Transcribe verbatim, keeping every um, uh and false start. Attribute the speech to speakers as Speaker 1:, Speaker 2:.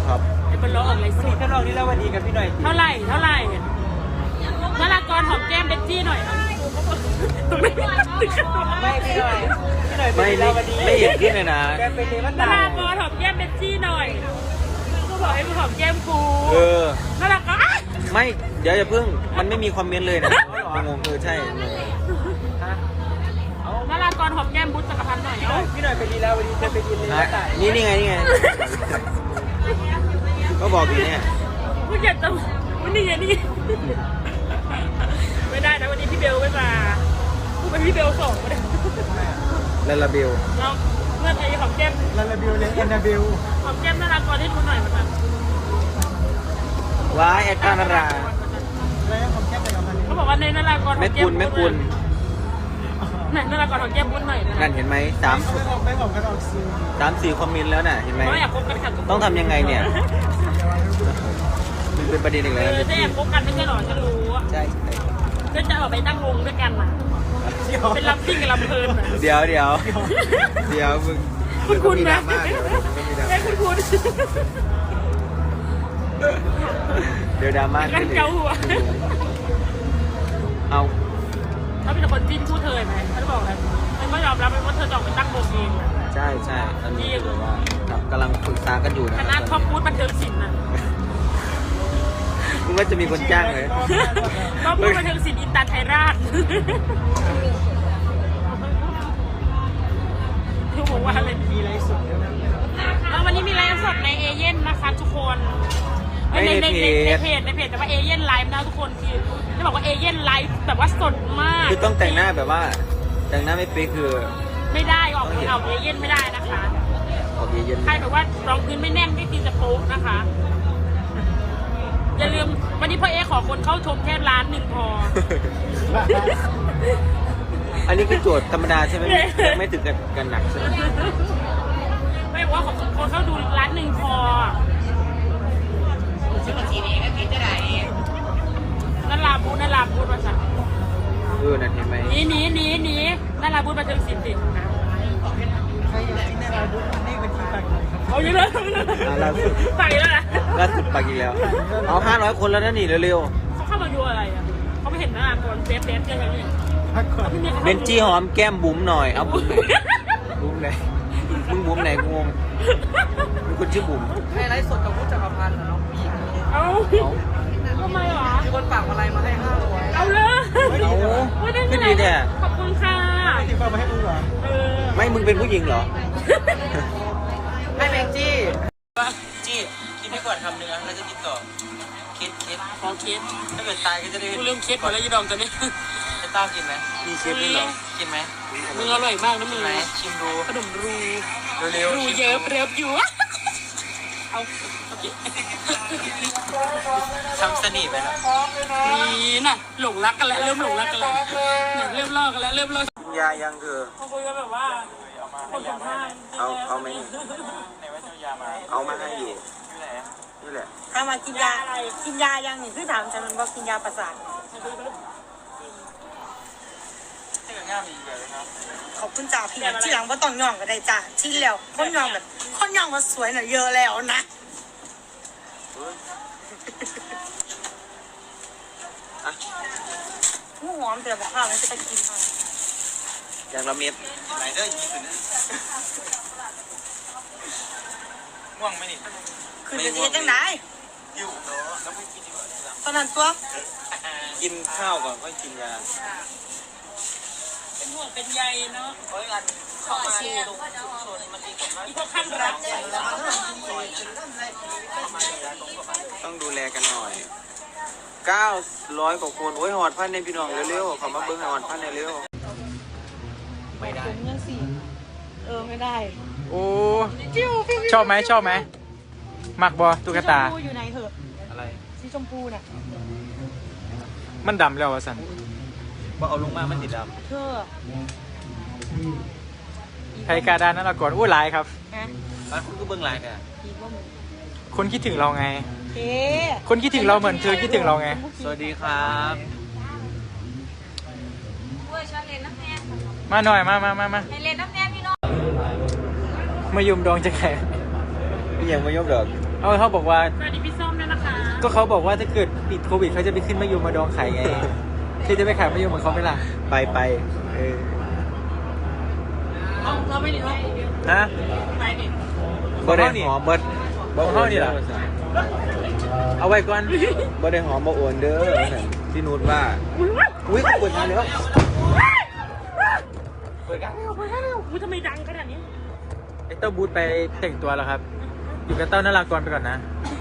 Speaker 1: ครับ
Speaker 2: ไอ้เป็นร้องอะไรสุด
Speaker 3: ก็ลองนี่แล้ววันดีกับพี่หน่อย
Speaker 2: เท่าไหร่เท่าไหร่นารากรหอมแก้มเบ็กจี้หน่อยไม่
Speaker 3: ไม่พี่หน่อยพี่หน่อย
Speaker 1: ไม่ไม่ไม่เห็นขึ้นเลยนะ
Speaker 3: แกเป็นเลวั
Speaker 2: นาร
Speaker 3: นดา
Speaker 2: ากรหอมแก้มเบ็กจี้หน่อยก็บอกให้มึงหอมแก้มกู
Speaker 1: เออ
Speaker 2: นารากร
Speaker 1: ไม่เดี๋ยวอย่าเพิ่งมันไม่มีคอมเมนต์เลยนะงงเออใช่งง
Speaker 2: นารากรหอมแก้มบุ๊ชจักรพันธ์หน่อย
Speaker 3: พี่หน่อยพี่หน่อยไปดีแล้ววันนี้จะไปดีเลยวั
Speaker 1: อ่ะ
Speaker 3: นดา
Speaker 1: นี่นี่ไงนี่ไงก็บอกอยู่เนี่ย
Speaker 2: กูอยากจะวันนี้ไงนี่ไม่ได้นะวันนี้พี่เบลไม่มากูเป็นพี่เบลสองไม่ได้
Speaker 1: ลาลาเบล
Speaker 2: เราเมื่อไงหอมแก้ม
Speaker 3: ลาลาบิวเลยแอนนาบิว
Speaker 2: หอมแก้มนารากรให้ดูหน่อยมัน
Speaker 1: ว้ายแอดการนารา
Speaker 3: แล้วผมแค่ไปกับมัน
Speaker 2: เขาบอกว่าในนารากร
Speaker 1: แม่กุลแม่กุล
Speaker 2: ไหนนารากรหอมแก้มบุ๊ชหน่อย
Speaker 1: นั่นเห็นไหมสาม
Speaker 3: ไม่บอกไม่บอกกันออกซิล
Speaker 1: สามสี่คอมเมนต์แล้วน่ะเห็นไหม
Speaker 2: เขาอยากคบกันค่ะ
Speaker 1: ต้องทำยังไงเนี่ยมันเป็นประเด็นอีก
Speaker 2: เอ
Speaker 1: แล้ว
Speaker 2: อถ้าอยากคบกันไม่ใช่หรอฉันรู้
Speaker 1: ใช่
Speaker 2: ก็จะออกไปตั้งวงด้วยกันน่ะเป็นลำซิ่งกับลำเพลิน
Speaker 1: เดี๋ยวเดี๋ยวเดี๋ยวมึง
Speaker 2: คุณคุณ
Speaker 1: มีด
Speaker 2: นะ
Speaker 1: ราม่าเดี๋ยวมึงมีดรา
Speaker 2: ได้
Speaker 1: ม่า
Speaker 2: คุณคุณ
Speaker 1: เดี๋ยวดราม่า
Speaker 2: กันเกาหัว
Speaker 1: เอา
Speaker 2: ถ้าเป็นคนจิ้นคู่เธอไหมเขาจะบอกอะไรมันไม่ยอมรับเลยว่าเธอจะออกไปตั้งวงเอง
Speaker 1: ใช่ใช่ตอนนี้แบบว่าครับกำลังปรึกษากันอยู่นะ
Speaker 2: คณะท็อปฟู้ดบันเทิงศิลป์น่ะ
Speaker 1: มึงว่าจะมีคนจ้างเลย
Speaker 2: ท็อปฟู้ดบันเทิงศิลป์อินตาไทยราชทุกบอกว่าอะไร
Speaker 3: มีอะไรสุดแล้วนะ
Speaker 2: แล้ววันนี้มีไลฟ์สดในเอเย่นนะคะทุกคนในในในในเพจในเพจแต่ว่าเอเย่นไลฟ์นะทุกคนคือจะบอกว่าเอเย่นไลฟ์แบบว่าสดมาก
Speaker 1: คือต้องแต่งหน้าแบบว่า แต่งหน้าไม่เป๊ะคือ
Speaker 2: ไม่ได้ออกออกเอเย่นไม่ได้นะคะ
Speaker 1: ออกเย็น
Speaker 2: ใครแบบว่ารองพื้นไม่แน่นไม่ตีจะโป๊กนะคะ อย่าลืมวันนี้พ่อเอขอคนเข้าชมแค่ล้านหนึ่งพอ
Speaker 1: อันนี้คือโจทย์ธรรมดาใช่ไหมไม่ไม่ถึงกับกันหนักใช่ไหม
Speaker 2: ไม่บอกว่าขอคนเข้าดูล้านหนึ่งพอนั่นลาบูนั่นลาบูมาสั่ง
Speaker 1: เออนั่นเห็นไหม
Speaker 2: หนีหนีหนีหนีนั่นลาบูมาถึงสิบสิบนะ
Speaker 3: ใครอยากที่แน่เราดูมันนี่เป็นที่ต่างเลยครับ
Speaker 2: เอาเยอะเลย
Speaker 1: อ่าล่าสุด
Speaker 2: ใส่แล้วนะ
Speaker 1: ล่าสุดปากอีกแล้ว เอาห้าร้อยคนแล้วนะนี่เร็ว
Speaker 2: เขาเข้ามาดูอะไรอ่ะเขาไม่เห็นหน้าก่อนเฟซเฟซกันอย่างนี้
Speaker 3: พักก่อน
Speaker 1: ๆเบนจี้หอมแก้มบุ๋มหน่อย เอาบุ๋มไหนบุ๋มไหนมึงบุ๋มไหนกูงงมึงคนชื่อบุ๋ม
Speaker 3: ให้ไลฟ์สดกับผู้จักรพันธ์นะน้องผู้หญิง
Speaker 2: เอา
Speaker 1: เอา
Speaker 2: ทำไมหรอ
Speaker 3: มีคนฝากอะไรมาให้ห้าร้อย
Speaker 2: เอาเลย
Speaker 1: เอา
Speaker 2: ไม่ได้
Speaker 1: ขึ้นดีแท้
Speaker 2: ขอบคุณค่ะ
Speaker 3: ไม่ติดฝากมาให้มึงเหรอ
Speaker 2: เออ
Speaker 1: ไม่มึงเป็นผู้หญิงเหรอ
Speaker 3: ให้แมงจี้
Speaker 1: จี้คิดให้ก่อนทำเนื้อแล้วจะติดต่อคิดคิด
Speaker 2: ของเคส
Speaker 1: ถ้าเกิดตายก็จะได้
Speaker 2: กูเริ่มเคสหมดแล้วยีดองตอนนี้
Speaker 1: จะต้ากินไหมมีเชฟด้วยเหรอกินไหม
Speaker 2: มึงอร่อยมากนะมึง
Speaker 1: ไหมชิมดู
Speaker 2: ขนมรู
Speaker 1: เร็ว
Speaker 2: รูเยอะเรียบอยู่เอาโอเค
Speaker 1: ๆทำสนิทไปนะ
Speaker 2: นี่น่ะหลงรักกันแล้วเริ่มหลงรักกันแล้วเนี่ยเริ่มลอกกันแล้วเริ่มลอก
Speaker 1: กินยายังคือ
Speaker 2: เขาคุยกันแบบว่าคนสัมภาษณ์
Speaker 1: เอาเอาไหมเอามาให้ดีนี่แหละ
Speaker 4: ถามว่ากินยาอะไรกินยายังนี่คือถามฉันมันว่ากินยาประสาทขอบคุณจ่าพี่นะที่หลังว่าต้องย่องก็ได้จ้าที่แล้วคนย่องแบบคนย่องมาสวยหน่อยเยอะแล้วนะผู้หอมแต่บอกข้าวมันจะไปกินค่ะ
Speaker 1: อย่างละเม็ดไหนเด้อยี่สิบนะง่วงไหมนี่
Speaker 4: คือจะเทียจังไหน
Speaker 1: อยู่เนาะแล้วไม่กินดีกว่า
Speaker 4: ตอนนั้นตัว
Speaker 1: กินข้าวก่อนก็กินยา
Speaker 2: เป็นห่วงเป็นใยเนาะ
Speaker 1: เฮ้ยอัน
Speaker 2: ขอมาดูอีพวกข้างรัก
Speaker 1: ต้องดูแลกันหน่อยเก้าร้อยกว่าคนโอ้ยหอดพันในพี่น้องเร็วๆขอมาเบิ้งหอดพันในเร็วไม่ได้
Speaker 4: ผมยังสี่เออไม่ได้
Speaker 5: โอ้ชอบไหมชอบไหมมักบอตุ๊กตา
Speaker 4: สีชมพูอยู่ไหนเหอะ
Speaker 1: อะไร
Speaker 4: สีชมพูน่ะ
Speaker 5: มันดำแล้ววะสัน
Speaker 1: ว่าเอาลงมามันติดด
Speaker 4: เธอ
Speaker 5: ไทยกาดานนั่นละก่อนอู้หลายครับ
Speaker 4: ฮะ
Speaker 1: ำแล้วคุณก็เบิ้งไลน์กัน
Speaker 4: อีกว่ามึง
Speaker 5: คนคิดถึงเราไง
Speaker 4: เอ๊ะ
Speaker 5: คนคิดถึงเราเหมือนเธอคิดถึงเราไง
Speaker 1: สวัสดีครับ
Speaker 5: มาหน่อยมามามามา
Speaker 4: ให้เล่นน้ำแน่พี่น้อง
Speaker 5: มายุมดองจะแข่
Speaker 1: นี่ยังไม่ยกดอก
Speaker 5: มเอาเขาบอกว่า
Speaker 2: สวัสดีพี่ส้มด้วยนะคะ
Speaker 5: ก็เขาบอกว่าถ้าเกิดติดโควิดเขาจะไปขึ้นมะยมมาดองขายไงที่จะไปขายมะยมเหมือนเขาไหมล่ะ
Speaker 1: ไปไปเออ
Speaker 2: เราไม่ได้หรอก
Speaker 5: ฮะ
Speaker 2: ไปดิ
Speaker 1: บ่ได้หอมเบิด
Speaker 5: ของเขานี่เหรอ เอาไว้ก่อน
Speaker 1: บ่ได้หอมบ่โอนเด้อพี่นุชว่าอุ้ยเขาเปิดงานแล้ว
Speaker 2: เปิดกันเร็วเปิดกันเร็วอุ้ยทำไมดังขนาดนี้
Speaker 5: ไอเต้าบูธไปแต่งตัวแล้วครับ อยู่กับเต้านารากรไปก่อนนะ
Speaker 2: อ